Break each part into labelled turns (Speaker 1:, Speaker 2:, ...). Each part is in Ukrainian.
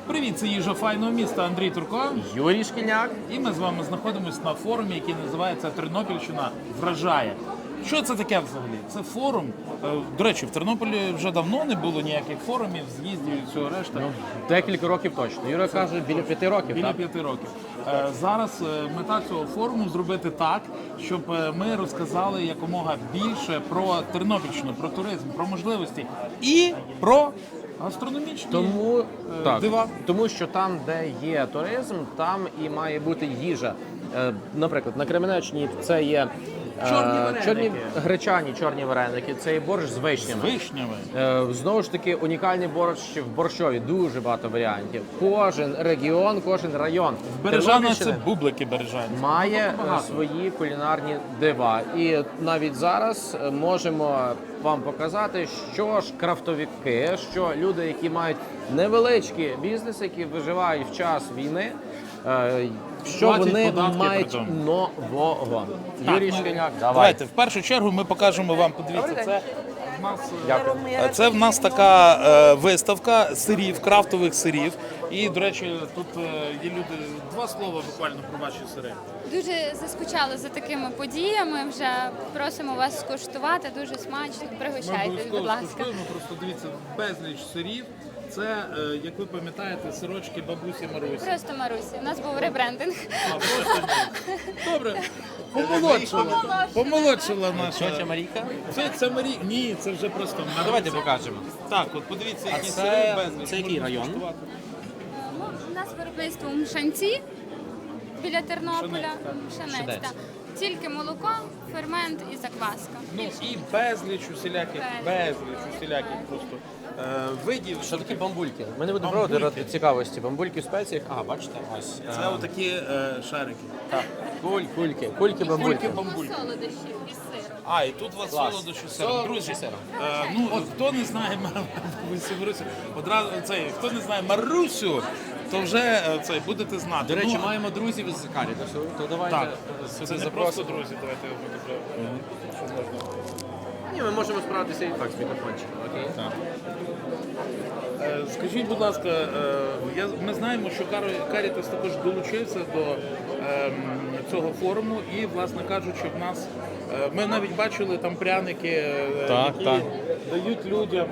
Speaker 1: Привіт, це їжа файного міста Андрій Турко.
Speaker 2: Юрій Шкільняк.
Speaker 1: І ми з вами знаходимося на форумі, який називається «Тернопільщина вражає». Що це таке взагалі? Це форум. До речі, в Тернополі вже давно не було ніяких форумів, з'їздів і всього решта.
Speaker 2: Декілька років точно. Юра каже, біля 5 років,
Speaker 1: Біля
Speaker 2: так?
Speaker 1: 5 років. Зараз мета цього форуму зробити так, щоб ми розказали якомога більше про Тернопільщину, про туризм, про можливості і про гастрономічні дива.
Speaker 2: Тому що там, де є туризм, там і має бути їжа. Наприклад, на Кременеччині це є гречані чорні вареники, це є борщ з вишнями. Знову ж таки, унікальний борщ в борщові, дуже багато варіантів. Кожен регіон, кожен район
Speaker 1: Бережана це бублики бережані.
Speaker 2: Має свої кулінарні дива. І навіть зараз можемо вам показати, що ж крафтовики, що люди, які мають невеличкі бізнеси, які виживають в час війни, що вони мають нового. Юрій Шкільняк,
Speaker 1: давайте. В першу чергу ми покажемо вам, подивіться, це в нас така виставка сирів, крафтових сирів. І, до речі, тут є люди, два слова буквально про ваші сири.
Speaker 3: Дуже заскучали за такими подіями, вже просимо вас скуштувати, дуже смачно, пригощайтесь, будь ласка.
Speaker 1: Просто дивіться, безліч сирів. Це, як ви пам'ятаєте, сирочки бабусі Марусі.
Speaker 3: Просто Марусі, у нас був ребрендинг.
Speaker 1: Добре. Помолодшила наша.
Speaker 2: Це Марійка?
Speaker 1: Це Марійка. Ні, це вже просто Маруся.
Speaker 2: Давайте покажемо.
Speaker 1: Так, от подивіться, які сири безліч.
Speaker 2: Це який район?
Speaker 3: У нас виробництво в Мшанці, біля Тернополя. Мшанець, так. Тільки молоко, фермент і закваска.
Speaker 1: Ну і безліч усіляких просто видів.
Speaker 2: Що таке бамбульки? Ми не будемо пробувати ради цікавості. Бамбульки в спеціях. Бачите? Ось.
Speaker 1: Це отакі шарики.
Speaker 2: Так. Кульки бамбульки.
Speaker 3: Солодощі із сиром.
Speaker 1: І тут у вас солодощі з сиром. Друзі, хто не знає Марусю, одразу хто не знає Марусю, то вже будете знати.
Speaker 2: До речі, маємо друзів із Карітасу. То давайте
Speaker 1: це не просто друзі, давайте
Speaker 2: Ні, ми можемо справитися і так з мікрофончиком, окей?
Speaker 1: Так. Скажіть, будь ласка, ми знаємо, що Карітас також долучився до цього форуму і, власне кажучи, в нас ми навіть бачили там пряники, які дають людям.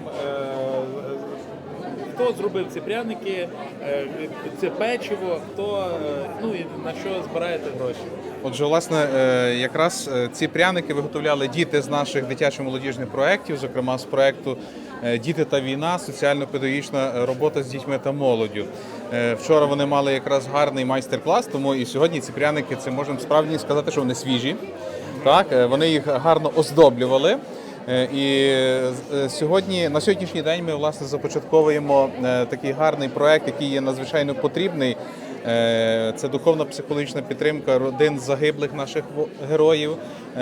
Speaker 1: Хто зробив ці пряники, це печиво, хто і на що збираєте гроші?
Speaker 4: Отже, власне, якраз ці пряники виготовляли діти з наших дитячо-молодіжних проєктів, зокрема з проєкту «Діти та війна. Соціально-педагогічна робота з дітьми та молоддю». Вчора вони мали якраз гарний майстер-клас, тому і сьогодні ці пряники, це можемо справді сказати, що вони свіжі. Так, вони їх гарно оздоблювали. І сьогодні, на сьогоднішній день ми, власне, започатковуємо такий гарний проєкт, який є надзвичайно потрібний. Це духовно-психологічна підтримка родин загиблих наших героїв,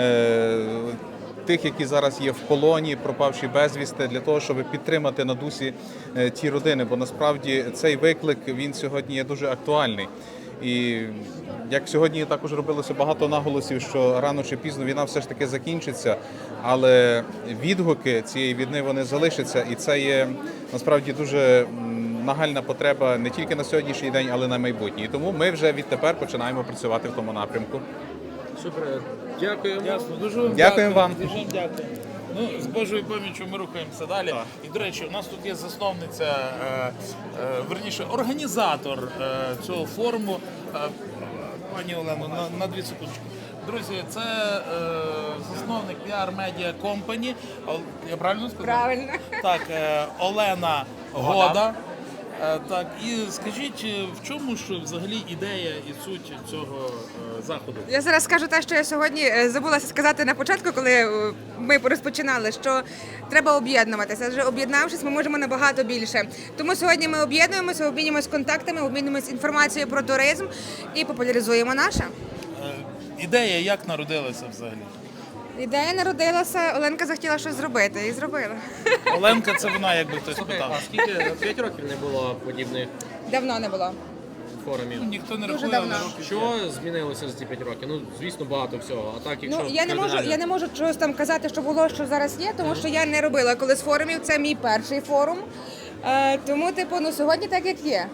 Speaker 4: тих, які зараз є в полоні, пропавші безвісти, для того, щоб підтримати на дусі ті родини. Бо насправді цей виклик, він сьогодні є дуже актуальний. І як сьогодні також робилося багато наголосів, що рано чи пізно війна все ж таки закінчиться, але відгуки цієї війни, вони залишаться, і це є насправді дуже нагальна потреба не тільки на сьогоднішній день, але й на майбутнє. І тому ми вже відтепер починаємо працювати в тому напрямку.
Speaker 2: Супер, дякуємо.
Speaker 1: Ясно, дуже вам
Speaker 4: Дякуємо вам.
Speaker 1: Дуже дякую. З Божою поміччю ми рухаємося далі. І, до речі, у нас тут є засновниця, верніше, організатор цього форуму. Пані Олено, на 2 секундочки. Друзі, це засновник PR Media Company. Я правильно сказав?
Speaker 5: Правильно.
Speaker 1: Так, Олена Года. Так, і скажіть, в чому ж взагалі ідея і суть цього заходу?
Speaker 5: Я зараз скажу те, що я сьогодні забулася сказати на початку, коли ми розпочинали, що треба об'єднуватися. Адже об'єднавшись, ми можемо набагато більше. Тому сьогодні ми об'єднуємося, обмінюємося контактами, обмінюємося інформацією про туризм і популяризуємо наше.
Speaker 1: Ідея як народилася взагалі?
Speaker 5: Ідея народилася, Оленка захотіла щось зробити і зробила.
Speaker 1: Оленка, це вона, якби хтось питав.
Speaker 2: А скільки 5 років не було подібних
Speaker 5: Давно не було.
Speaker 2: форумів?
Speaker 1: Ніхто не
Speaker 5: Дуже
Speaker 1: рахує,
Speaker 5: давно.
Speaker 1: але років
Speaker 2: Що змінилося за ці 5 років? Ну, звісно, багато всього. А так, якщо
Speaker 5: Я не можу чогось там казати, що було, що зараз є, тому що я не робила колись форумів. Це мій перший форум. Тому, сьогодні так, як є.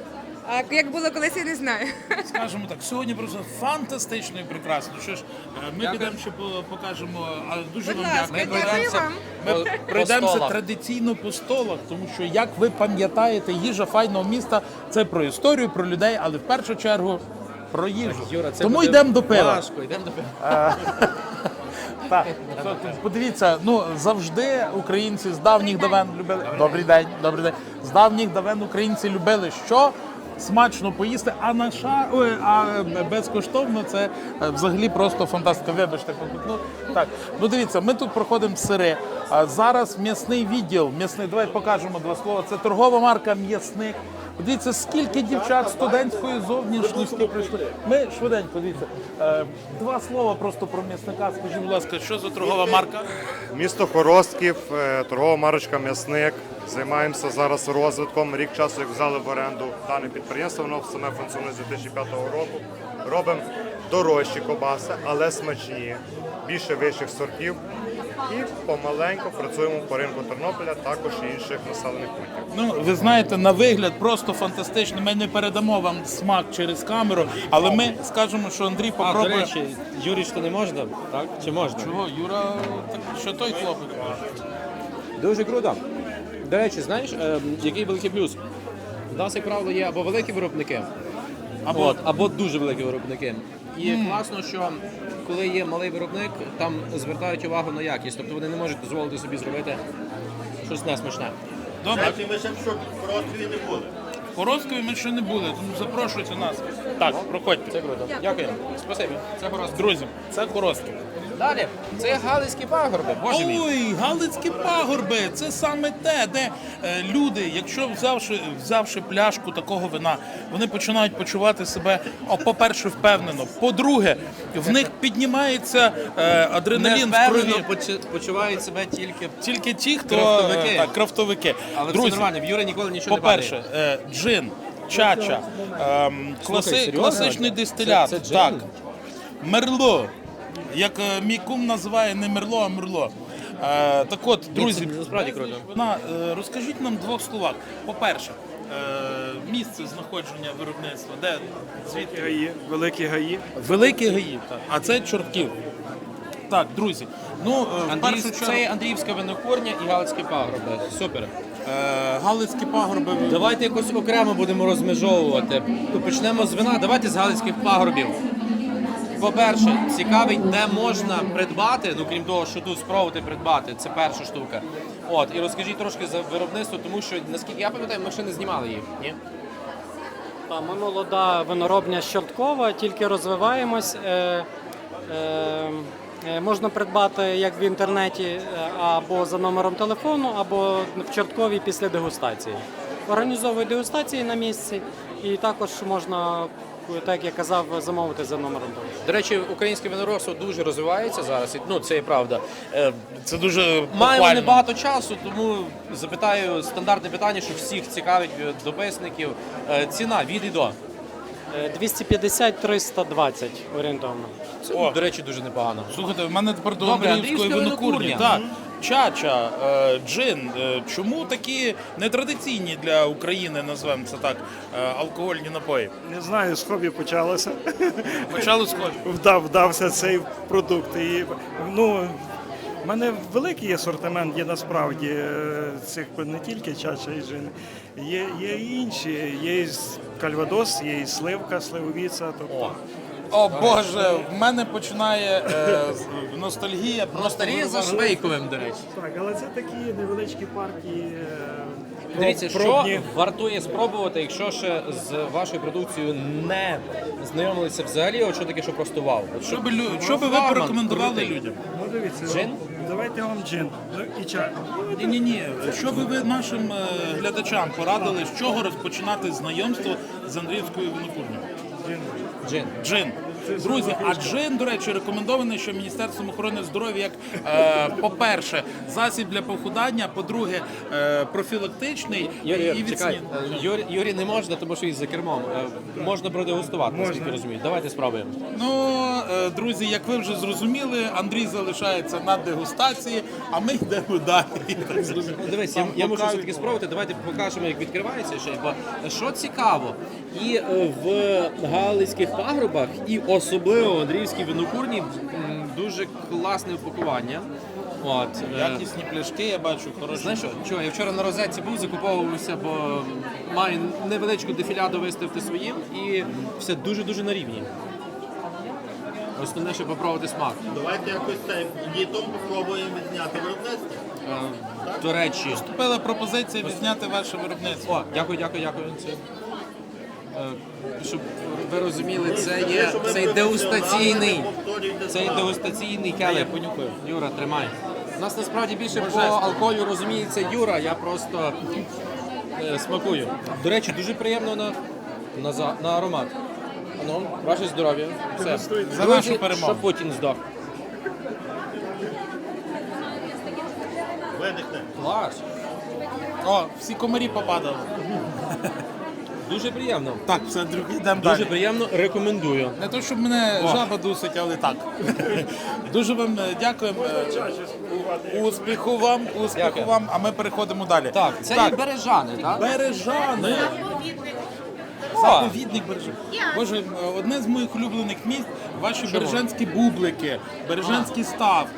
Speaker 5: А як було колись, я не знаю.
Speaker 1: Скажімо так, сьогодні просто фантастично і прекрасно. Що ж, ми підемо ще покажемо, але дуже
Speaker 5: Будь
Speaker 1: вам
Speaker 5: ласка,
Speaker 1: дякую.
Speaker 5: дякую вам.
Speaker 1: Ми пройдемося
Speaker 2: столах.
Speaker 1: традиційно по столах, тому що, як ви пам'ятаєте, їжа файного міста це про історію, про людей, але в першу чергу про їжу.
Speaker 2: Юра, це
Speaker 1: Тому
Speaker 2: буде
Speaker 1: йдемо до пива.
Speaker 2: важко, йдемо до пива.
Speaker 1: Так, подивіться, ну завжди українці з давніх давен любили. Добрий день, добрий день. З давніх давен українці любили що? Смачно поїсти, а безкоштовно це взагалі просто фантастика. Вибачте, покутну. Так, ну дивіться, ми тут проходимо сири. А зараз м'ясний відділ. Давай покажемо два слова. Це торгова марка «М'ясник». Подивіться, скільки дівчат студентської зовнішності прийшли. Ми швиденько, дивіться. Два слова просто про м'ясника. Скажіть, будь ласка, що за торгова марка?
Speaker 6: Місто Хоростків, торгова марочка «М'ясник». Займаємося зараз розвитком. Рік часу, як взяли в оренду дане підприємство, воно саме функціонує з 2005 року. Робимо дорожчі ковбаси, але смачні, більше вищих сортів. І помаленьку працюємо по ринку Тернополя, також і інших населених пунктів.
Speaker 1: Ну, ви знаєте, на вигляд просто фантастично. Ми не передамо вам смак через камеру, але ми скажемо, що Андрій
Speaker 2: А, до
Speaker 1: попробує.
Speaker 2: речі, Юрій, що не можна, так? Чи можна?
Speaker 1: Чого, Юра, так, що той хлопець?
Speaker 2: Дуже круто. До речі, знаєш, який великий плюс? У нас, як правило, є або великі виробники, або дуже великі виробники. І класно, що коли є малий виробник, там звертають увагу на якість. Тобто вони не можуть дозволити собі зробити щось несмачне.
Speaker 1: Добре,
Speaker 7: Ми ще в Хороскові не були.
Speaker 1: в Хороскові ми ще не були, тому запрошуйте нас. Так, проходьте.
Speaker 2: Це круто. Дякую. Спасибі. Це хорошо.
Speaker 1: Друзі, це Хоростків.
Speaker 2: Далі. Це Галицькі пагорби. Боже мій.
Speaker 1: Ой, Галицькі пагорби, це саме те, де люди, якщо взявши пляшку такого вина, вони починають почувати себе, по-перше, впевнено. По-друге, в них піднімається адреналін в крові.
Speaker 2: Невпевнено почувають себе
Speaker 1: Тільки ті, хто
Speaker 2: Крафтовики.
Speaker 1: Крафтовики.
Speaker 2: Але
Speaker 1: Друзі,
Speaker 2: все нормально, в Юри ніколи нічого не падає.
Speaker 1: по-перше, джин, чача,
Speaker 2: серйозно?
Speaker 1: класичний дистилят,
Speaker 2: Це джин?
Speaker 1: так, мерло, як мій кум називає не мерло, а мерло. Так от, друзі,
Speaker 2: це насправді круто.
Speaker 1: Розкажіть нам в двох словах. По-перше, місце знаходження виробництва, де, звідки?
Speaker 8: Гаї, великі гаї.
Speaker 1: Великі гаї, так. А це Чортків. Так, друзі, ну, в першу
Speaker 2: Це
Speaker 1: чергу,
Speaker 2: Андріївська винокурня і Галицькі пагорби. Супер.
Speaker 1: Галицькі пагорби.
Speaker 2: Давайте якось окремо будемо розмежовувати. Почнемо з вина. Давайте з Галицьких пагорбів. По-перше, цікавить, де можна придбати, ну крім того, що тут спробувати придбати, це перша штука. От, і розкажіть трошки за виробництво, тому що, наскільки я пам'ятаю, ми ще не знімали їх, ні?
Speaker 9: Ми молода виноробня з Чорткова, тільки розвиваємось. Можна придбати як в інтернеті або за номером телефону, або в Чорткові після дегустації. Організовують дегустації на місці і також можна, так як я казав, замовити за номером телефону.
Speaker 2: До речі, українське виноробство дуже розвивається зараз, і, ну це і правда.
Speaker 1: Це дуже
Speaker 2: Маємо
Speaker 1: похвально.
Speaker 2: небагато часу, тому запитаю стандартне питання, що всіх цікавить дописників. Ціна від і до.
Speaker 9: 250-320 орієнтовно.
Speaker 2: Це, до речі, дуже непогано.
Speaker 1: Слухайте, в мене тепер до
Speaker 2: Добре,
Speaker 1: Андріївської
Speaker 2: Андріївська
Speaker 1: винокурні.
Speaker 2: винокурня.
Speaker 1: Так. Чача, джин. Чому такі нетрадиційні для України, назвемо це так, алкогольні напої?
Speaker 8: Не знаю, з хобі почалося.
Speaker 1: Почали схожі.
Speaker 8: Вдався цей продукт. І, ну, в мене великий асортимент є насправді цих не тільки чача і джин. Є і інші. Є і кальвадос, є і сливка, сливовіця. Тобто.
Speaker 1: О Боже, в мене починає ностальгія.
Speaker 2: Ностальгія за Швейковим, до речі.
Speaker 8: Так, але це такі невеличкі партії.
Speaker 2: Дивіться, що
Speaker 8: пробні.
Speaker 2: вартує спробувати, якщо ще з вашою продукцією не знайомилися взагалі, от що таке, що просто вау. От
Speaker 1: Що би ви
Speaker 2: флагман
Speaker 1: порекомендували
Speaker 2: крутий.
Speaker 1: людям?
Speaker 8: Ну, дивіться,
Speaker 2: Джин?
Speaker 8: давайте вам джин. Ну, і чай.
Speaker 1: Ні. Що би ви нашим глядачам порадили, з чого розпочинати знайомство з Андріївською винокурнею?
Speaker 2: Джин.
Speaker 1: Джин. Друзі, а джин, до речі, рекомендований, що Міністерством охорони здоров'я як, по-перше, засіб для похудання, по-друге, профілактичний і
Speaker 2: Чекай,
Speaker 1: відсінний.
Speaker 2: Юрій не можна, тому що він за кермом. Можна продегустувати, наскільки розумію. Давайте спробуємо.
Speaker 1: Ну, друзі, як ви вже зрозуміли, Андрій залишається на дегустації, а ми йдемо далі.
Speaker 2: Дивись, я можу все-таки спробувати. Давайте покажемо, як відкривається ще. Бо що цікаво, і в Галицьких пагорбах, і особливо в Андріївській винокурні дуже класне упакування. От,
Speaker 1: Якісні пляшки, я бачу, хороші.
Speaker 2: знаєш що, я вчора на розетці був, закуповувався, бо маю невеличку дефіляду виставити своїм, і все дуже-дуже на рівні. Основне, щоб попробувати смак.
Speaker 7: Давайте якось це літом попробуємо відзняти виробництво.
Speaker 2: До речі,
Speaker 1: Поступила пропозиція відзняти ваше виробництво.
Speaker 2: о, дякую. Це, щоб ви розуміли, це є цей дегустаційний. Цей дегустаційний келих. Понюхаю. Юра, тримай. У нас насправді більше по алкоголю розуміється Юра, я просто смакую. До речі, дуже приємно на аромат. Ну, ваше здоров'я. Все.
Speaker 1: За нашу перемогу.
Speaker 2: Щоб Путін здох.
Speaker 7: Видихне.
Speaker 2: Клас.
Speaker 1: О, всі комарі попадали.
Speaker 2: Дуже приємно.
Speaker 1: Так, все, друзі, йдемо
Speaker 2: Дуже
Speaker 1: далі.
Speaker 2: приємно, рекомендую.
Speaker 1: Не то, щоб мене жаба дусить, але так. Дуже вам дякуємо. Успіху вам,
Speaker 2: Дякую.
Speaker 1: а ми переходимо далі.
Speaker 2: Так, це є бережани, так?
Speaker 1: Бережани. Заповідник Бережан. Боже, одне з моїх улюблених місць – ваші бережанські бублики, бережанський став,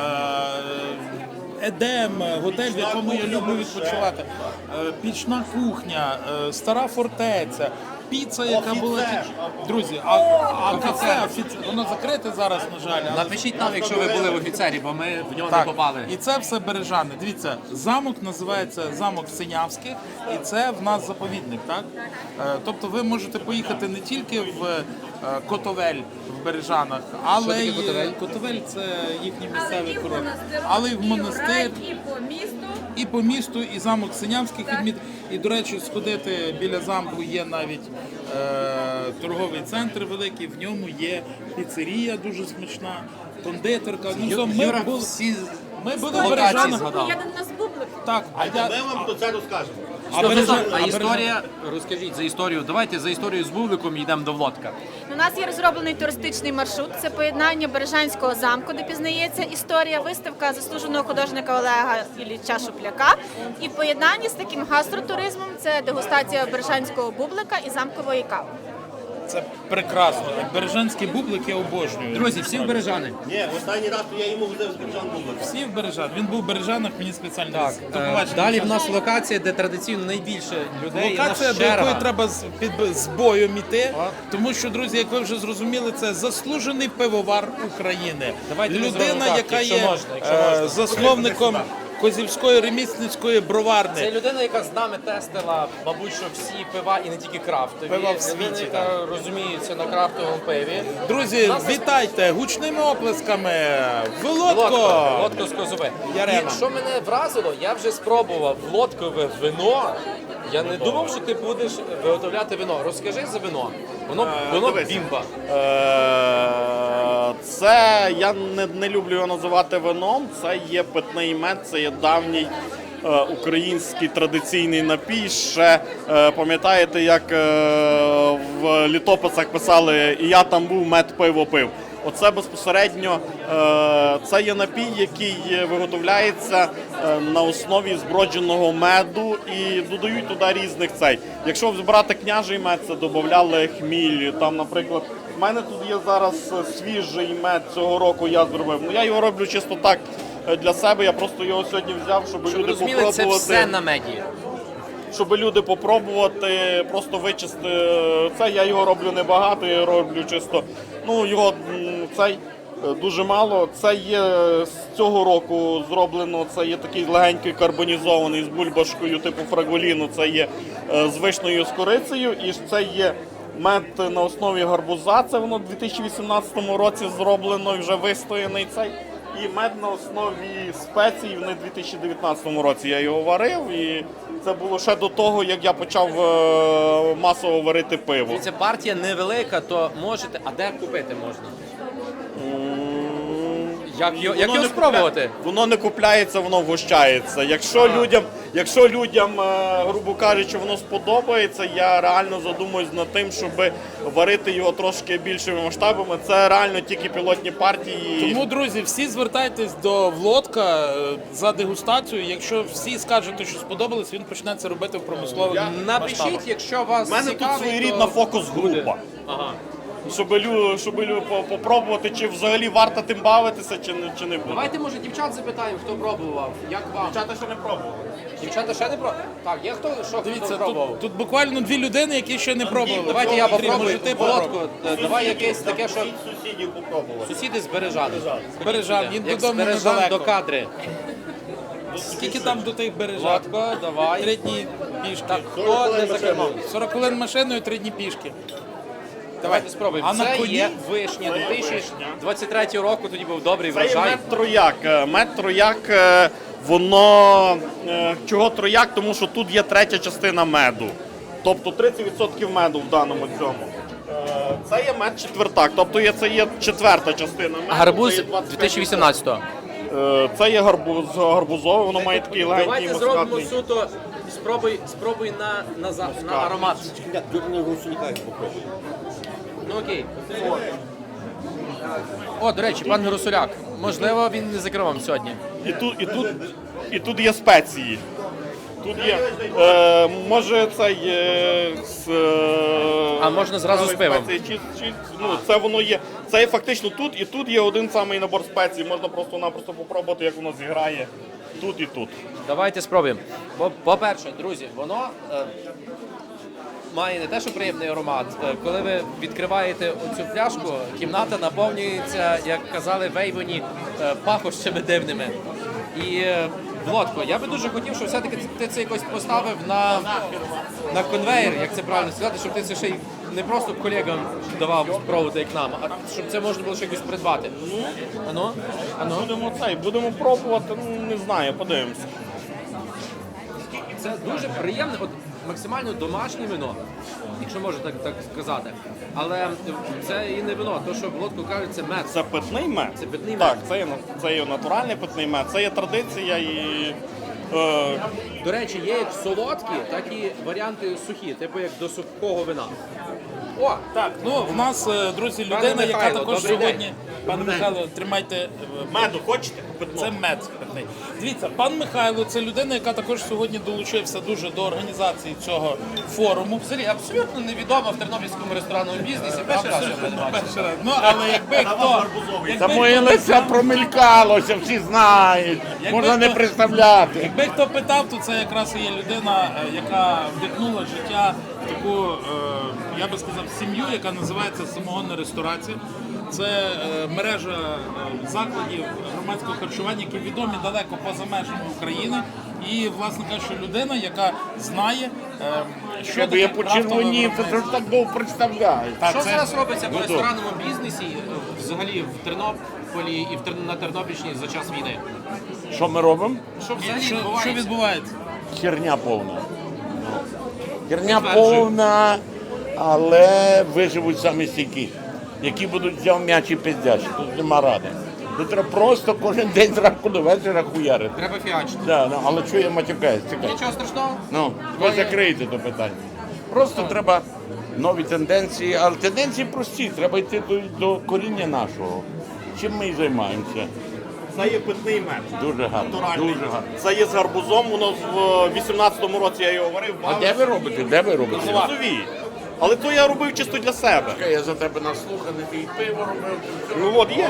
Speaker 1: Едем, готель, в якому я люблю відпочивати, пічна кухня, стара фортеця, піца, яка була... Друзі, а кафе, воно закрите зараз, на жаль. але-
Speaker 2: Напишіть нам, якщо ви були в офіцері, бо ми в нього не попали.
Speaker 1: І це все Бережани. Дивіться, замок називається замок Синявських, і це в нас заповідник, так? Тобто ви можете поїхати не тільки в Котовель в Бережанах, але
Speaker 2: таке
Speaker 1: й
Speaker 2: Котовель?
Speaker 1: Котовель це їхній місцевий курорт. Але й в монастир,
Speaker 3: І по місту.
Speaker 1: і по місту, і замок Синявських відміт. І, до речі, сходити біля замку є навіть торговий центр великий, в ньому є піцерія дуже смачна, кондитерка. Ну,
Speaker 2: Юра
Speaker 1: ми були,
Speaker 2: всі
Speaker 1: ми були в
Speaker 2: локації
Speaker 1: Бережанах.
Speaker 2: згадав.
Speaker 3: Я до нас бублик.
Speaker 1: Так, а я...
Speaker 7: Ми вам про це розкажемо.
Speaker 2: А історія, розкажіть за історію. Давайте за історію з Бубликом йдемо до Влодка.
Speaker 10: У нас є розроблений туристичний маршрут. Це поєднання Бережанського замку, де пізнається історія, виставка заслуженого художника Олега Ілліча Шупляка. І в поєднанні з таким гастротуризмом це дегустація бережанського бублика і замкової кави.
Speaker 1: Це прекрасно. Бережанський бублик я обожнюю.
Speaker 2: Друзі, всі в Бережани.
Speaker 7: Ні, останній раз то я йому возив з Бережан був.
Speaker 1: Всі в Бережан. Він був в Бережанах, мені спеціально.
Speaker 2: Так,
Speaker 1: До побачення.
Speaker 2: далі в нас локація, де традиційно найбільше людей. і
Speaker 1: Локація,
Speaker 2: нас
Speaker 1: до якої
Speaker 2: черга.
Speaker 1: треба з боєм іти, тому що, друзі, як ви вже зрозуміли, це заслужений пивовар України.
Speaker 2: Давайте ми
Speaker 1: Людина,
Speaker 2: зробимо так,
Speaker 1: яка
Speaker 2: якщо
Speaker 1: є
Speaker 2: можна, якщо можна.
Speaker 1: засновником Козівської ремісницької броварни.
Speaker 2: Це людина, яка з нами тестила, мабуть, що всі пива і не тільки крафтові.
Speaker 1: Пива в світі,
Speaker 2: Людина, яка розуміється на крафтовому пиві.
Speaker 1: Друзі, вітайте гучними оплесками. Володко!
Speaker 2: Лодко з Козове.
Speaker 1: Ярема.
Speaker 2: І що мене вразило, я вже спробував лодкове вино. Я не думав, що ти будеш виготовляти вино. Розкажи за вино. Воно
Speaker 6: дивись.
Speaker 2: бімба.
Speaker 6: Це я не люблю його називати вином. Це є питний мед, це є давній український традиційний напій. Ще пам'ятаєте, як в літописах писали «І я там був, мед пиво пив». Оце безпосередньо це є напій, який виготовляється на основі збродженого меду і додають туди різних цей. Якщо брати княжий мед, це додавали хміль. Там, наприклад, в мене тут є зараз свіжий мед цього року, я зробив. Ну я його роблю чисто так для себе. Я просто його сьогодні взяв, щоб
Speaker 2: Щоб ви
Speaker 6: люди
Speaker 2: розуміли, це
Speaker 6: попробувати.
Speaker 2: все на меді.
Speaker 6: Щоб люди попробувати, просто вичисти це. Я його роблю небагато, я роблю чисто. Ну його цей дуже мало. Це є з цього року зроблено. Це є такий легенький карбонізований з бульбашкою типу фраголіну. Це є з вишнею з корицею, і це є мед на основі гарбуза. Це воно в 2018 році зроблено і вже вистояний цей. І мед на основі спецій в 2019 році я його варив, і
Speaker 7: це було ще до того, як я почав масово варити пиво.
Speaker 2: Ця партія невелика, то можете. А де купити можна? Як його спробувати?
Speaker 7: Воно не купляється, воно вгощається. Якщо людям, грубо кажучи, воно сподобається, я реально задумуюсь над тим, щоб варити його трошки більшими масштабами. Це реально тільки пілотні партії.
Speaker 1: Тому, друзі, всі звертайтесь до Влодка за дегустацію. Якщо всі скажете, що сподобалось, він почне це робити в промислових масштабах.
Speaker 2: Напишіть, якщо вас
Speaker 7: У мене
Speaker 2: цікавить,
Speaker 7: тут своєрідна фокус-група.
Speaker 2: Ага.
Speaker 7: Щоб попробувати, чи взагалі варто тим бавитися, чи не буде.
Speaker 2: Давайте, може, дівчат запитаємо, хто пробував. Як вам?
Speaker 7: Дівчата ще не пробували.
Speaker 2: Дівчата ще не пробували? Так, є хто
Speaker 1: Дивіться,
Speaker 2: пробував?
Speaker 1: тут буквально 2 людини, які ще не пробували.
Speaker 2: Давайте я попробую.
Speaker 1: Може, ти попробуй.
Speaker 2: Володко, давай якесь таке, що...
Speaker 7: Сусідів попробували.
Speaker 2: Сусіди з Бережан.
Speaker 1: Бережан, він
Speaker 2: Як з
Speaker 1: додому
Speaker 2: Бережан
Speaker 1: недалеко.
Speaker 2: до Кадри.
Speaker 1: Скільки там до тих Бережан?
Speaker 2: Володко, давай.
Speaker 1: 3 дні пішки.
Speaker 2: Так, хто не закинув?
Speaker 1: 40 хвилин машиною, 3 дні пішки.
Speaker 2: Давайте спробуємо.
Speaker 1: А на
Speaker 2: Це
Speaker 1: коні?
Speaker 2: є вишня 2023 року, тоді був добрий
Speaker 7: Це є
Speaker 2: врожай.
Speaker 7: мед-трояк. Мед-трояк, воно... Чого трояк? Тому що тут є третя частина меду. Тобто 30% меду в даному цьому. Це є мед-четвертак, тобто це є четверта частина меду.
Speaker 2: Гарбуз
Speaker 7: це є 25%.
Speaker 2: 2018-го.
Speaker 7: Це є гарбузове, воно має такий легенький
Speaker 2: Давайте зробимо
Speaker 7: мускатний.
Speaker 2: суто, спробуй на аромат. Ну окей. О, до речі, пан Гросуляк, можливо, він не закрив вам сьогодні.
Speaker 7: І тут є спеції. Тут є, може цей
Speaker 2: А можна зразу з пивом?
Speaker 7: спеції, це воно є. Це є фактично тут, і тут є один самий набор спецій. Можна просто-напросто попробувати, як воно зіграє тут і тут.
Speaker 2: Давайте спробуємо. По-перше, друзі, воно має не те, що приємний аромат. Коли ви відкриваєте оцю пляшку, кімната наповнюється, як казали вейвоні, пахощами дивними. І, Володко, я би дуже хотів, щоб все-таки ти це якось поставив на конвейер, як це правильно сказати, щоб ти це ще й не просто колегам давав спробувати, як нам, а щоб це можна було ще якось придбати. Ану?
Speaker 7: Будемо пробувати, не знаю, подивимося.
Speaker 2: Це дуже приємне, от максимально домашнє вино, якщо можна так сказати. Але це і не вино, то що Володко каже, це мед.
Speaker 7: Це питний мед?
Speaker 2: Це питний
Speaker 7: Так,
Speaker 2: мед.
Speaker 7: це є натуральний питний мед, це є традиція і...
Speaker 2: До речі, є як солодкі, так і варіанти сухі, типу як до сухого вина. О,
Speaker 1: Так, ну в нас, друзі,
Speaker 2: Пане
Speaker 1: людина, яка
Speaker 2: Михайло,
Speaker 1: також
Speaker 2: добрий
Speaker 1: сьогодні.
Speaker 2: день.
Speaker 1: Пане Михайло, тримайте.
Speaker 7: Меду хочете?
Speaker 1: Це мед питний. Дивіться, пан Михайло це людина, яка також сьогодні долучився дуже до організації цього форуму.
Speaker 2: взагалі абсолютно невідома в тернопільському ресторанному бізнесі. Перший раз я бачу.
Speaker 1: Перший раз. Ну, але якби хто...
Speaker 11: Та моє лице промелькалося, всі знають. Можна не представляти.
Speaker 1: Якби хто питав, то це якраз і є людина, яка вдихнула життя в таку, я би сказав, сім'ю, яка називається «Самогонна ресторація». Це мережа закладів громадського харчування, які відомі далеко поза межами України. І, власне кажучи, людина, яка знає, що
Speaker 11: Щоб
Speaker 1: таке
Speaker 11: я
Speaker 1: крафтове
Speaker 11: почервонів, то
Speaker 1: виробництво.
Speaker 11: ж так довго представляю.
Speaker 1: Так,
Speaker 2: Що
Speaker 1: це-
Speaker 2: зараз робиться в ресторанному бізнесі, взагалі в Тернополі і на Тернопільщині за час війни?
Speaker 11: Що ми робимо?
Speaker 2: Що взагалі
Speaker 1: Що
Speaker 2: відбувається?
Speaker 1: відбувається?
Speaker 11: Херня повна. Херня повна, але виживуть самі стійкі, які будуть взяв м'яч і пиздячі. Тут нема ради. Тут треба просто кожен день зранку до вечора хуярити.
Speaker 2: Треба фіачити.
Speaker 11: Да, ну, але чого я матюкаюсь? Чекай.
Speaker 2: Нічого страшного.
Speaker 11: Ну, ви закриєте до питання. Просто треба нові тенденції, але тенденції прості, треба йти до коріння нашого. Чим ми і займаємося.
Speaker 7: Це є питний мед.
Speaker 11: Дуже гарно.
Speaker 7: Натуральний.
Speaker 11: Дуже гарно.
Speaker 7: Це є з гарбузом, воно в 18-му році я його варив.
Speaker 11: А де ви робите? Де ви робите?
Speaker 7: В Лозовій. Але то я робив чисто для себе.
Speaker 11: Чекай, я за тебе наслуханий, ти і пиво робив.
Speaker 7: Ну от є.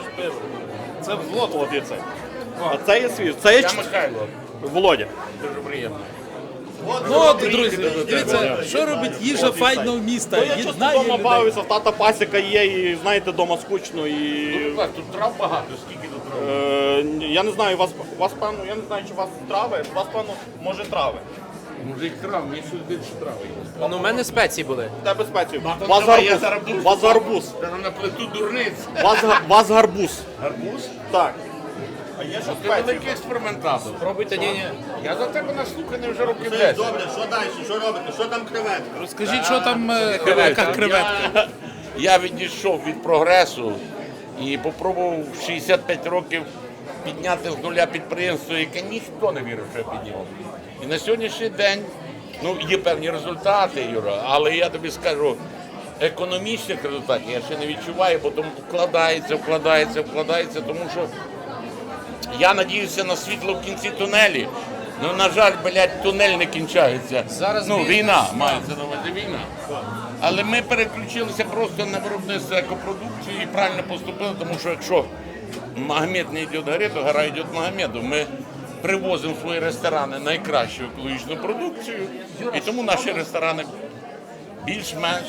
Speaker 1: Це Влод.
Speaker 7: От є це. А це є свіж. Це є
Speaker 11: Я Михайло.
Speaker 7: Володя.
Speaker 11: Дуже приємно.
Speaker 1: Ну от, друзі, дивіться, що робить їжа файного міста.
Speaker 7: То я часто
Speaker 1: Єднає
Speaker 7: вдома
Speaker 1: людей.
Speaker 7: бавився, в тата пасіка є, і знаєте, вдома скучно. І...
Speaker 11: Тут трав багато, скільки тут трав?
Speaker 7: Я не знаю, вас певно, я не знаю, чи у вас трави, у вас певно, може трави.
Speaker 11: Мужик трав, мені сюди більше трави.
Speaker 2: Ну, у мене спеції були.
Speaker 7: У тебе спецію.
Speaker 11: то
Speaker 7: Вас
Speaker 11: давай, я
Speaker 7: гарбуз.
Speaker 11: зараз буду
Speaker 7: Вас гарбуз.
Speaker 11: Та на плиту дурниць.
Speaker 7: Вас гарбуз.
Speaker 11: Гарбуз?
Speaker 7: Так.
Speaker 11: Ти великий експериментатор.
Speaker 2: Пробуйте, ні.
Speaker 11: Я за тебе наслуханий вже років 10.
Speaker 7: Добре, що далі? Що робите? Що там креветка?
Speaker 1: Розкажіть, що там яка креветка.
Speaker 11: Я відійшов від прогресу і попробував в 65 років підняти з нуля підприємство, яке ніхто не вірив, що я підняв. І на сьогоднішній день є певні результати, Юра, але я тобі скажу, економічних результатів я ще не відчуваю, бо тому вкладається, тому що я надіюся на світло в кінці тунелі. Ну, на жаль, тунель не кінчається.
Speaker 2: Зараз
Speaker 11: війна, мається на увазі війна. Але ми переключилися просто на виробництво екопродукції і правильно поступили, тому що якщо Магомед не йде гори, то гора йде Магомеду. Ми привозимо в свої ресторани найкращу екологічну продукцію, і тому наші ресторани більш-менш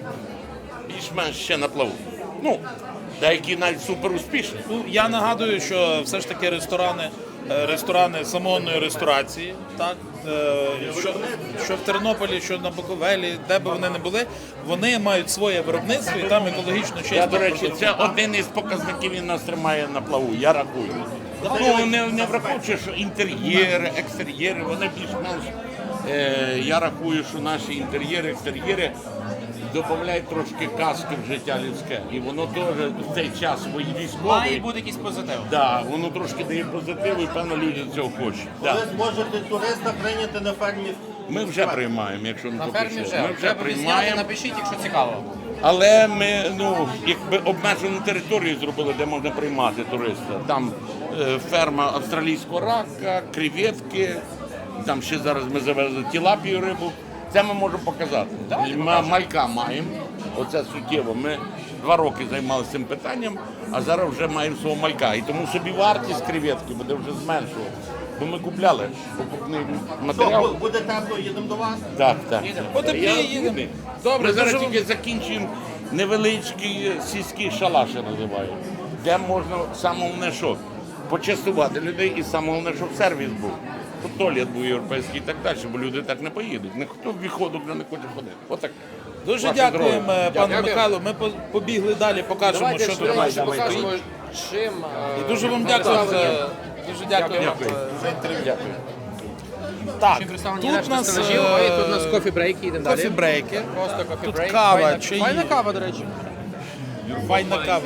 Speaker 11: ще на плаву. Ну, деякі навіть супер успішні.
Speaker 1: Ну, я нагадую, що все ж таки ресторани самогонної ресторації, так, що в Тернополі, що на Буковелі, де би вони не були, вони мають своє виробництво і там екологічно чисто.
Speaker 11: Я, до речі, це один із показників, він нас тримає на плаву, я рахую. Ну, не враховуючи, що інтер'єри, екстер'єри, вони більш-менш, я рахую, що наші інтер'єри, екстер'єри додають трошки казки в життя людське. І воно теж в цей час військовий.
Speaker 2: Має бути якийсь позитив.
Speaker 11: Да, воно трошки дає позитив, і певно люди цього хочуть. Да.
Speaker 7: Ви зможете туриста прийняти на фермі.
Speaker 11: Ми вже приймаємо, якщо не
Speaker 2: На фермі
Speaker 11: попишемо.
Speaker 2: вже.
Speaker 11: Ми вже
Speaker 2: Треба відзняти,
Speaker 11: приймаємо.
Speaker 2: напишіть, якщо цікаво.
Speaker 11: Але ми якби обмежену територію зробили, де можна приймати туриста. Там ферма австралійського рака, креветки, там ще зараз ми завезли тілапію рибу. Це ми можемо показати. Ми малька маємо, оце суттєво. Ми 2 роки займалися цим питанням, а зараз вже маємо свого малька. І тому собі вартість креветки буде вже зменшувати. Бо ми купляли покупний матеріал.
Speaker 7: Буде тепло, їдемо до вас.
Speaker 11: Так.
Speaker 1: Потепліє, їдемо.
Speaker 11: Добре, зараз тільки закінчуємо невеличкий сільський шалаш, я називаю, де можна саме головне, що почастувати людей і саме головне, щоб сервіс був. Щоб туалет був європейський і так далі, бо люди так не поїдуть. Ніхто в відходу вже не хоче ходити. Отак.
Speaker 1: Дуже
Speaker 11: Ваше
Speaker 1: дякуємо,
Speaker 11: здоров'я.
Speaker 1: пане Михайло. Ми побігли далі, покажемо,
Speaker 2: Давайте
Speaker 1: що тут
Speaker 2: швидше
Speaker 1: стоїть.
Speaker 2: покажемо, чим...
Speaker 1: І дуже вам дякуємо дуже дякуємо за інтерв'ю. Так, тут у нас
Speaker 2: тут у нас кофі-брейки, йдемо далі.
Speaker 1: кофі-брейки.
Speaker 2: Просто кофі-брейк.
Speaker 1: Тут кава,
Speaker 2: Файна-
Speaker 1: чаї.
Speaker 2: Файна кава, до речі.
Speaker 1: Файна кава.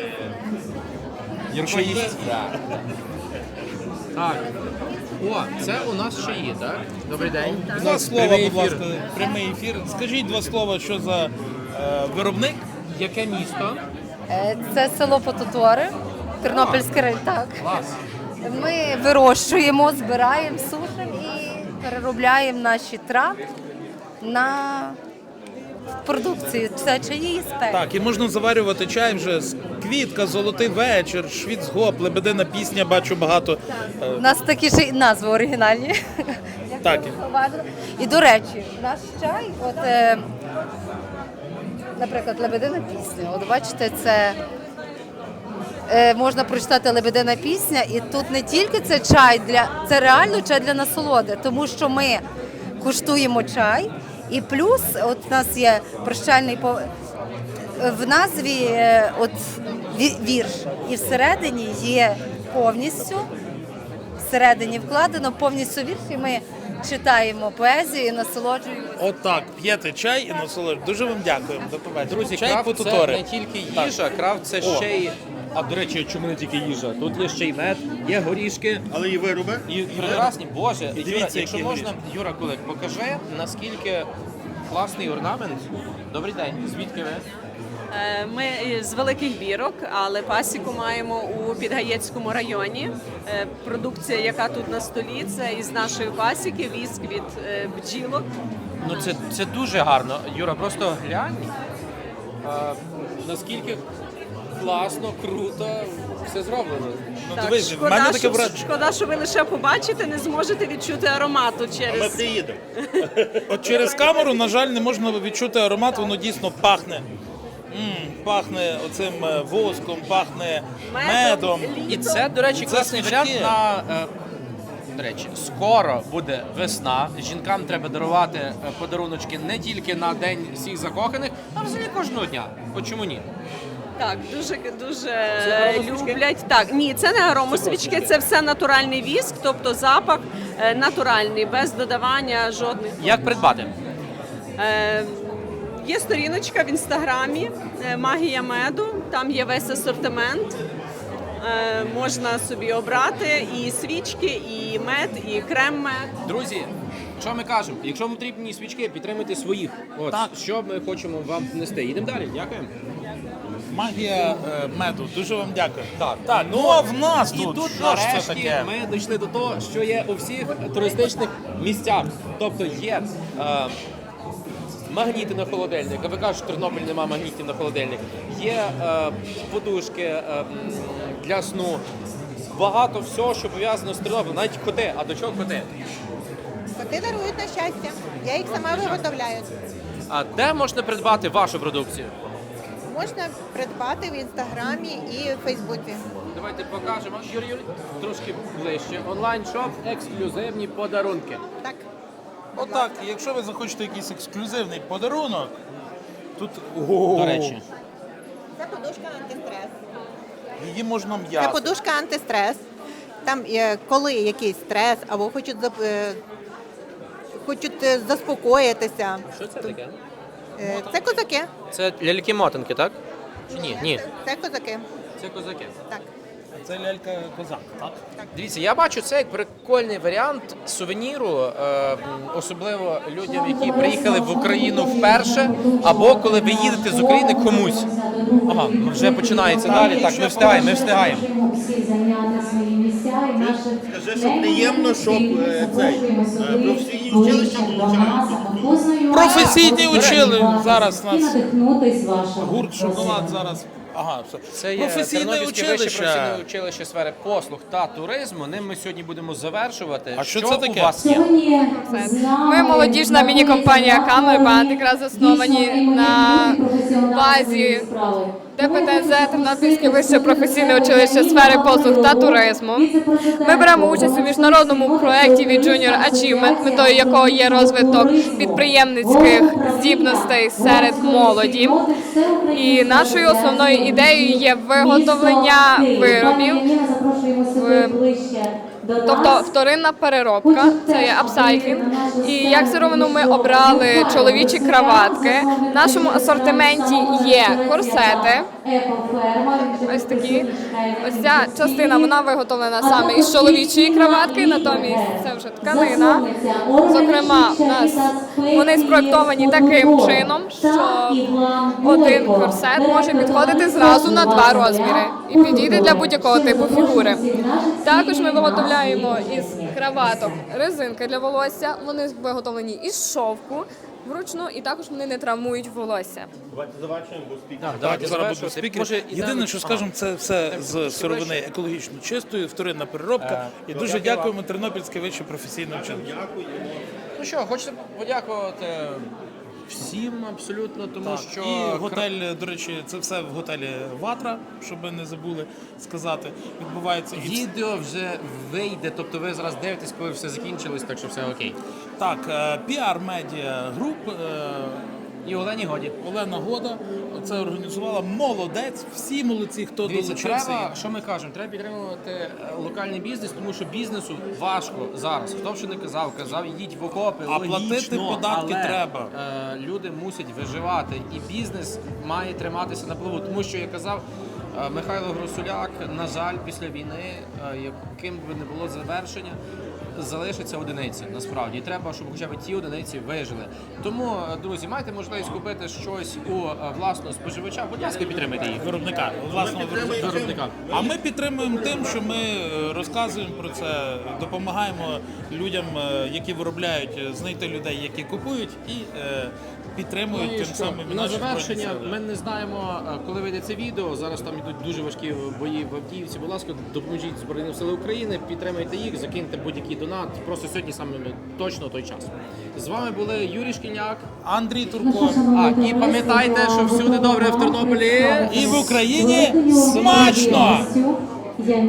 Speaker 2: Чаї. Так. О, це у нас чаї, так? Добрий день.
Speaker 1: 2 слова,
Speaker 2: Прямий
Speaker 1: будь
Speaker 2: ефір.
Speaker 1: ласка, прямий ефір. Скажіть 2 слова, що за виробник?
Speaker 2: Яке місто?
Speaker 12: Це село Потутори, Тернопільський район. Так.
Speaker 2: Клас.
Speaker 12: Ми вирощуємо, збираємо, сушимо і переробляємо наші трави на продукцію. Це чаї і спеки.
Speaker 1: Так, і можна заварювати чай вже з квітка, золотий вечір, швіцгоп, лебедина пісня, бачу багато.
Speaker 12: У нас такі ж і назви оригінальні.
Speaker 1: Так.
Speaker 12: І, до речі, наш чай, наприклад, лебедина пісня. От бачите, це можна прочитати лебедина пісня, і тут не тільки це чай, це реально чай для насолоди, тому що ми куштуємо чай, і плюс от у нас є прощальний в назві вірш, і всередині є повністю, всередині вкладено повністю вірш, і ми читаємо поезію і насолоджуємося.
Speaker 1: Отак, п'єте чай і насолоджуєтесь. Дуже вам дякуємо. До побачення.
Speaker 2: Друзі,
Speaker 1: чай
Speaker 2: крафт це
Speaker 1: Потутори.
Speaker 2: не тільки їжа, крафт це ще й... А, до речі, чому не тільки їжа? Тут є ще й мед, є горішки.
Speaker 7: Але і вироби.
Speaker 2: І прекрасні. Боже, Юра,
Speaker 1: дивіться,
Speaker 2: якщо
Speaker 1: які
Speaker 2: можна, Юра Кулик, покажи, наскільки класний орнамент. Добрий день, звідки ви?
Speaker 13: Ми з Великих Бірок, але пасіку маємо у Підгаєцькому районі. Продукція, яка тут на столі, це із нашої пасіки, віск від бджілок.
Speaker 2: Ну це дуже гарно. Юра, просто глянь, наскільки класно, круто все зроблено.
Speaker 1: Ну,
Speaker 13: Так,
Speaker 1: дивись, в мене таке враження.
Speaker 13: шкода, що ви лише побачите, не зможете відчути аромату
Speaker 7: Ми
Speaker 13: через...
Speaker 7: приїдемо.
Speaker 1: От через камеру, на жаль, не можна відчути аромат, воно дійсно пахне. Пахне оцим воском, пахне медом.
Speaker 2: І це, до речі,
Speaker 1: Це
Speaker 2: класний
Speaker 1: свічки.
Speaker 2: варіант на... До речі, скоро буде весна. Жінкам треба дарувати подаруночки не тільки на День всіх закоханих, а взагалі кожного дня. От чому ні?
Speaker 13: Так, дуже
Speaker 2: Це аромасвічки?
Speaker 13: люблять. Так, ні, це не аромасвічки, це все натуральний віск, тобто запах натуральний, без додавання жодних.
Speaker 2: Як придбати?
Speaker 13: Є сторіночка в інстаграмі Магія меду, там є весь асортимент. Можна собі обрати і свічки, і мед, і крем-мед.
Speaker 2: Друзі, що ми кажемо? Якщо вам потрібні свічки, підтримуйте своїх. От,
Speaker 1: Так.
Speaker 2: що ми хочемо вам внести. Йдемо далі, дякуємо.
Speaker 1: Магія меду. Дуже вам дякую. Так, ну а в нас
Speaker 2: І
Speaker 1: тут,
Speaker 2: тут
Speaker 1: що ж це
Speaker 2: нарешті
Speaker 1: таке?
Speaker 2: ми дійшли до того, що є у всіх туристичних місцях. Тобто є магніти на холодильник. А ви кажете, що в Тернополі немає магнітів на холодильник. Є подушки для сну. Багато всього, що пов'язано з Тернополем. Навіть коти. А до чого коти?
Speaker 14: Коти дарують на щастя. Я їх сама виготовляю.
Speaker 2: А де можна придбати вашу продукцію?
Speaker 14: Можна придбати в інстаграмі і в Фейсбуці.
Speaker 2: Давайте покажемо. Юрій, трошки ближче. Онлайн-шоп, ексклюзивні подарунки.
Speaker 14: Так.
Speaker 1: Отак, якщо ви захочете якийсь ексклюзивний подарунок, тут
Speaker 2: До речі.
Speaker 14: Це подушка антистрес.
Speaker 1: її можна
Speaker 14: Це
Speaker 1: м'яти.
Speaker 14: подушка антистрес. Там, коли якийсь стрес або хочуть заспокоїтися.
Speaker 2: Що це таке?
Speaker 14: Це козаки.
Speaker 2: Це ляльки-мотанки, так? Чи ні? Ні.
Speaker 14: Це козаки.
Speaker 2: Це козаки.
Speaker 14: Так.
Speaker 1: Це лялька-козак, так?
Speaker 2: Дивіться, я бачу це як прикольний варіант сувеніру, особливо людям, які приїхали в Україну вперше, або коли ви їдете з України комусь. Ага, вже починається далі. Так, ми встигаємо.
Speaker 7: Скажи, що приємно, щоб професійні училища долучаються.
Speaker 1: Професійні учили зараз нас. Гурт «Шоколад» зараз. Ага, все.
Speaker 2: Це є
Speaker 1: Професійне
Speaker 2: Тернопільське вище
Speaker 1: училище.
Speaker 2: професійне училище сфери послуг та туризму. Ним ми сьогодні будемо завершувати.
Speaker 1: А що це таке?
Speaker 2: у вас є?
Speaker 3: Ми молодіжна міні-компанія «Камербанд», якраз засновані на базі ДПТЗ Тернопільське вище професійне училище сфери послуг та туризму. Ми беремо участь у міжнародному проєкті від Junior Achievement, метою якого є розвиток підприємницьких здібностей серед молоді. І нашою основною ідеєю є виготовлення виробів, тобто вторинна переробка, це є апсайклінг. І як сировину ми обрали чоловічі краватки. В нашому асортименті є корсети, ось такі. Ось ця частина, вона виготовлена саме із чоловічої краватки, натомість це вже тканина. Зокрема, у нас вони спроєктовані таким чином, що один корсет може підходити зразу на 2 розміри і підійде для будь-якого типу фігури. Також ми виготовляємо із краваток резинки для волосся, вони виготовлені із шовку вручну і також вони не травмують волосся.
Speaker 7: Давайте завершуємо, бо спікер.
Speaker 2: Давайте
Speaker 1: Зараз буде
Speaker 2: завершувати.
Speaker 1: спікер.
Speaker 2: Може,
Speaker 1: Єдине, що скажемо, це все з сировини екологічно чистої, вторинна переробка. І дуже дякуємо Тернопільське вище професійне училище.
Speaker 2: Ну що, хочете подякувати всім абсолютно, тому що
Speaker 1: І готель, до речі, це все в готелі «Ватра», щоб ви не забули сказати, відбувається. І
Speaker 2: відео вже вийде, тобто ви зараз дивитесь, коли все закінчилось, так що все окей.
Speaker 1: так, PR Media Group,
Speaker 2: І Олені Годі.
Speaker 1: Олена Года це організувала. Молодець, всі молодці, хто
Speaker 2: Дивіться,
Speaker 1: долучився.
Speaker 2: треба, що ми кажемо, треба підтримувати локальний бізнес, тому що бізнесу важко зараз. Хто б що не казав, йдіть в окопи,
Speaker 1: А
Speaker 2: логічно,
Speaker 1: платити податки
Speaker 2: але,
Speaker 1: треба.
Speaker 2: Люди мусять виживати, і бізнес має триматися на плаву, тому що, як казав Михайло Гросуляк, на жаль, після війни, яким би не було завершення, залишаться одиниці, насправді. І треба, щоб хоча б ті одиниці вижили. Тому, друзі, маєте можливість купити щось у власного споживача, будь ласка, підтримайте їх.
Speaker 1: Виробника, власного
Speaker 2: Виробника.
Speaker 1: А ми підтримуємо тим, що ми розказуємо про це, допомагаємо людям, які виробляють, знайти людей, які купують, і підтримують
Speaker 2: Ну, і
Speaker 1: тим
Speaker 2: що?
Speaker 1: самим
Speaker 2: На
Speaker 1: наші
Speaker 2: завершення,
Speaker 1: Збройні Сили.
Speaker 2: ми не знаємо, коли вийде це відео. Зараз там йдуть дуже важкі бої в Авдіївці. Будь ласка, допоможіть Збройним Силам України, підтримайте їх, закиньте будь-який донат. Просто сьогодні саме точно той час. З вами були Юрій Шкільняк,
Speaker 1: Андрій Турко.
Speaker 2: І пам'ятайте, що всюди добре в Тернополі
Speaker 1: і в Україні смачно!